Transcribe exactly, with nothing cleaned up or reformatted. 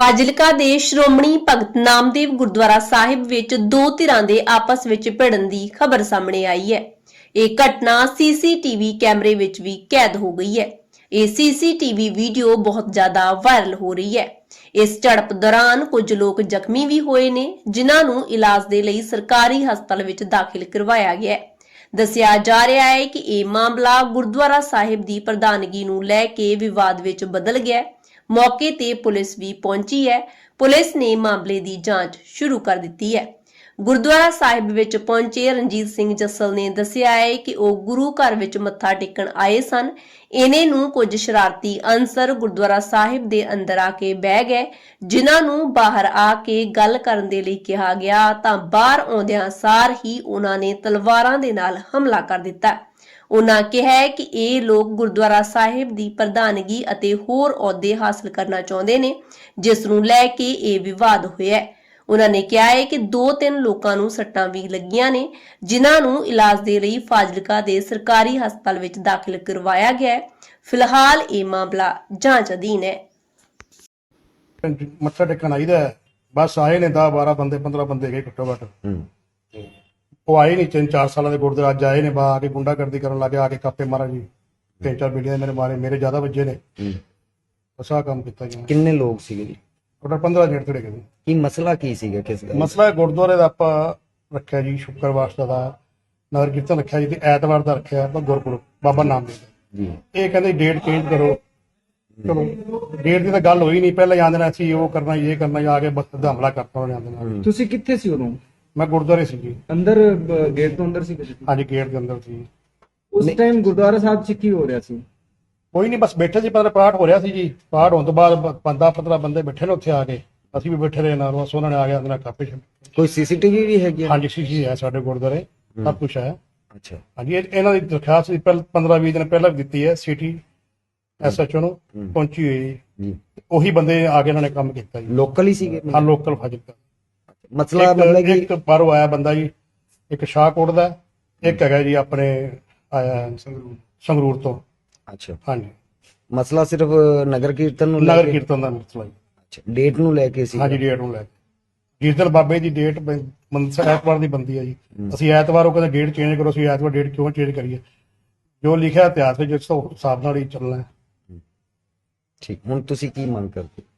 ਫਾਜ਼ਿਲਕਾ ਦੇ ਸ਼੍ਰੋਮਣੀ ਭਗਤ ਨਾਮਦੇਵ ਗੁਰਦੁਆਰਾ ਸਾਹਿਬ ਵਿੱਚ ਦੋ ਧਿਰਾਂ ਦੇ ਆਪਸ ਵਿੱਚ ਭਿੜਨ ਦੀ ਖਬਰ ਸਾਹਮਣੇ ਆਈ ਹੈ। ਇਹ ਘਟਨਾ ਸੀਸੀਟੀਵੀ ਕੈਮਰੇ ਵਿੱਚ ਵੀ ਕੈਦ ਹੋ ਗਈ ਹੈ। ਇਹ ਸੀਸੀਟੀਵੀ ਵੀਡੀਓ ਬਹੁਤ ਜ਼ਿਆਦਾ ਵਾਇਰਲ ਹੋ ਰਹੀ ਹੈ। ਇਸ ਝੜਪ ਦੌਰਾਨ ਕੁਝ ਲੋਕ ਜ਼ਖਮੀ ਵੀ ਹੋਏ ਨੇ, ਜਿਨ੍ਹਾਂ ਨੂੰ ਇਲਾਜ ਦੇ ਲਈ ਸਰਕਾਰੀ ਹਸਪਤਾਲ ਵਿੱਚ ਦਾਖਲ ਕਰਵਾਇਆ ਗਿਆ ਹੈ। ਦੱਸਿਆ ਜਾ ਰਿਹਾ ਹੈ ਕਿ ਇਹ ਮਾਮਲਾ ਗੁਰਦੁਆਰਾ ਸਾਹਿਬ ਦੀ ਪ੍ਰਧਾਨਗੀ ਨੂੰ ਲੈ ਕੇ ਵਿਵਾਦ ਵਿੱਚ ਬਦਲ ਗਿਆ। ਮੌਕੇ ਤੇ ਪੁਲਿਸ ਵੀ ਪਹੁੰਚੀ ਹੈ। ਪੁਲਿਸ ਨੇ ਮਾਮਲੇ ਦੀ ਜਾਂਚ ਸ਼ੁਰੂ ਕਰ ਦਿੱਤੀ ਹੈ। ਗੁਰਦੁਆਰਾ ਸਾਹਿਬ ਵਿੱਚ ਪਹੁੰਚੇ ਰਣਜੀਤ ਸਿੰਘ ਜੱਸਲ ਨੇ ਦੱਸਿਆ ਹੈ ਕਿ ਉਹ ਗੁਰੂ ਘਰ ਵਿੱਚ ਮੱਥਾ ਟੇਕਣ ਆਏ ਸਨ। ਇਹਨੇ ਨੂੰ ਕੁਝ ਸ਼ਰਾਰਤੀ ਅਨਸਰ ਗੁਰਦੁਆਰਾ ਸਾਹਿਬ ਦੇ ਅੰਦਰ ਆ ਕੇ ਬਹਿ ਗਏ, ਜਿਨ੍ਹਾਂ ਨੂੰ ਬਾਹਰ ਆ ਕੇ ਗੱਲ ਕਰਨ ਦੇ ਲਈ ਕਿਹਾ ਗਿਆ ਤਾਂ ਬਾਹਰ ਆਉਂਦਿਆਂ ਸਾਰ ਹੀ ਉਹਨਾਂ ਨੇ ਤਲਵਾਰਾਂ ਦੇ ਨਾਲ ਹਮਲਾ ਕਰ ਦਿੱਤਾ। ਉਹਨਾਂ ਕਿਹਾ ਹੈ ਕਿ ਇਹ ਲੋਕ ਗੁਰਦੁਆਰਾ ਸਾਹਿਬ ਦੀ ਪ੍ਰਧਾਨਗੀ ਅਤੇ ਹੋਰ ਅਹੁਦੇ ਹਾਸਲ ਕਰਨਾ ਚਾਹੁੰਦੇ ਨੇ, ਜਿਸ ਨੂੰ ਲੈ ਕੇ ਇਹ ਵਿਵਾਦ ਹੋਇਆ ਹੈ। ਉਹਨਾਂ ਨੇ ਕਿਹਾ ਹੈ ਕਿ ਦੋ ਤਿੰਨ ਲੋਕਾਂ ਨੂੰ ਸੱਟਾਂ ਵੀ ਲੱਗੀਆਂ ਨੇ, ਜਿਨ੍ਹਾਂ ਨੂੰ ਇਲਾਜ ਦੇ ਲਈ ਫਾਜ਼ਿਲਕਾ ਦੇ ਸਰਕਾਰੀ ਹਸਪਤਾਲ ਵਿੱਚ ਦਾਖਲ ਕਰਵਾਇਆ ਗਿਆ ਹੈ। ਫਿਲਹਾਲ ਇਹ ਮਾਮਲਾ ਜਾਂਚ ਅਧੀਨ ਹੈ। ਮੱਥਾ ਟੇਕਣ ਆਈਦਾ ਬਸ ਆਏ ਨੇ ਦਸ ਬਾਰਾਂ ਬੰਦੇ ਪੰਦਰਾਂ ਬੰਦੇ ਗਏ ਘੱਟੋ ਘੱਟ। ਉਹ ਆਏ ਨਹੀਂ, ਤਿੰਨ ਚਾਰ ਸਾਲਾਂ ਦੇ ਗੁਰਦੇ ਅੱਜ ਆਏ ਨੇ, ਬਾ ਆ ਕੇ ਗੁੰਡਾਗਰਦੀ ਕਰਨ ਲੱਗੇ, ਆ ਕੇ ਕਾਪੇ ਮਾਰਾ ਜੀ, ਤਿੰਨ ਚਾਰ ਬੀੜੀਆਂ ਮੇਰੇ ਮਾਰੇ, ਮੇਰੇ ਜ਼ਿਆਦਾ ਵੱਜੇ ਨੇ। ਬਸ ਆਹ ਕੰਮ ਕੀਤਾ ਜੀ। ਕਿੰਨੇ ਲੋਕ ਸੀਗੇ ਜੀ? ਟੋਟਲ ਪੰਦਰਾਂ ਜਣੇ ਤੜੇ ਗਏ। ਕੀ ਮਸਲਾ ਕੀ ਸੀਗਾ? ਕਿਸ ਦਾ ਮਸਲਾ ਗੁਰਦੁਆਰੇ ਦਾ ਆਪਾਂ ਰੱਖਿਆ ਜੀ, ਸ਼ੁੱਕਰਵਾਰ ਦਾ ਨਗਰ ਕੀਰਤਨ ਰੱਖਿਆ ਜੀ, ਤੇ ਐਤਵਾਰ ਦਾ ਰੱਖਿਆ ਆਪਾਂ ਗੁਰਪੁਰਬ ਬਾਬਾ ਨਾਮਦੇਵ ਦਾ ਜੀ। ਇਹ ਕਹਿੰਦੇ ਡੇਟ ਚੇਂਜ ਕਰੋ। ਚਲੋ ਡੇਟ ਦੀ ਤਾਂ ਗੱਲ ਹੋਈ ਨਹੀਂ, ਪਹਿਲਾਂ ਜਾਂਦੇ ਨੇ ਅਸੀਂ ਉਹ ਕਰਨਾ ਇਹ ਕਰਨਾ, ਆ ਕੇ ਬਸ ਹਮਲਾ ਕਰਤਾ ਉਹਨੇ ਆਂਦੇ ਨਾਲ। ਤੁਸੀਂ ਕਿੱਥੇ ਸੀ ਉਦੋਂ? ਮੈਂ ਗੁਰਦੁਆਰੇ ਸੀ ਜੀ। ਅੰਦਰ ਗੇਟ ਤੋਂ ਅੰਦਰ ਸੀ? ਹਾਂਜੀ ਗੇਟ ਦੇ ਅੰਦਰ ਸੀ। ਉਸ ਟਾਈਮ ਗੁਰਦੁਆਰਾ ਸਾਹਿਬ 'ਚ ਕੀ ਹੋ ਰਿਹਾ ਸੀ? ਕੋਈ ਨਹੀਂ, ਬਸ ਬੈਠੇ ਸੀ, ਪਰ ਪਾਠ ਹੋ ਰਿਹਾ ਸੀ ਜੀ। ਪਾਠ ਹੋਣ ਤੋਂ ਬਾਅਦ ਪੰਦਰਾਂ ਪੰਦਰਾਂ ਬੰਦੇ ਬੈਠੇ ਨੇ ਉੱਥੇ ਆ ਕੇ, ਅਸੀਂ ਵੀ ਬੈਠੇ ਰਹੇ ਨਾਲ। ਬਸ ਉਹਨਾਂ ਨੇ ਆ ਗਿਆ ਨਾਲ ਕਾਪੇ ਛੱਡ। ਕੋਈ ਸੀਸੀਟੀਵੀ ਵੀ ਹੈਗੀ? ਹਾਂਜੀ ਸੀਸੀ ਹੈ ਸਾਡੇ ਗੁਰਦੁਆਰੇ, ਸਭ ਕੁਛ ਹੈ। ਅੱਛਾ ਹਾਂਜੀ, ਇਹਨਾਂ ਦੀ ਦਰਖਾਸਤ ਪਹਿਲਾਂ ਪੰਦਰਾਂ ਵੀਹ ਦਿਨ ਪਹਿਲਾਂ ਵੀ ਦਿੱਤੀ ਹੈ, ਸਿਟੀ ਐਸਐਚਓ ਨੂੰ ਪਹੁੰਚੀ ਹੋਈ ਜੀ। ਉਹੀ ਬੰਦੇ ਆ ਕੇ ਇਹਨਾਂ ਨੇ ਕੰਮ ਕੀਤਾ ਜੀ। ਲੋਕਲ ਹੀ ਸੀਗੇ? ਹਾਂ ਲੋਕਲ ਫਾਜ਼ਿਲਕਾ। ਮਸਲਾ ਮਤਲਬ ਕਿ ਇੱਕ ਬਾਹਰੋਂ ਆਇਆ ਬੰਦਾ ਜੀ, ਇੱਕ ਸ਼ਾਹਕੋਟ ਦਾ, ਇੱਕ ਹੈਗਾ ਜੀ ਆਪਣੇ ਆਇਆ ਸੰਗਰੂਰ ਤੋਂ। ਅੱਛਾ ਹਾਂਜੀ। ਮਸਲਾ ਸਿਰਫ ਨਗਰ ਕੀਰਤਨ ਨੂੰ ਲੈ ਨਗਰ ਕੇ? ਕੀਰਤਨ ਦਾ ਮਸਲਾ ਜੀ। ਅੱਛਾ, ਡੇਟ ਨੂੰ ਲੈ ਕੇ ਸੀ? ਹਾਂਜੀ ਡੇਟ ਨੂੰ ਲੈ ਕੇ। ਜਿਸ ਦਿਨ ਬਾਬੇ ਦੀ ਡੇਟ ਐਤਵਾਰ ਦੀ ਬੰਦੀ ਹੈ ਜੀ, ਅਸੀਂ ਐਤਵਾਰ ਉਹ ਕਹਿੰਦੇ ਡੇਟ ਚੇਂਜ ਕਰੋ, ਅਸੀਂ ਐਤਵਾਰ ਡੇਟ ਕਿਉਂ ਚੇਂਜ ਕਰੀਏ? ਜੋ ਲਿਖਿਆ ਇਤਿਹਾਸ ਵਿੱਚ ਉਸ ਹਿਸਾਬ ਨਾਲ ਹੀ ਚੱਲਣਾ ਹੈ। ਠੀਕ, ਹੁਣ ਤੁਸੀਂ ਕੀ ਮੰਗ ਕਰਦੇ?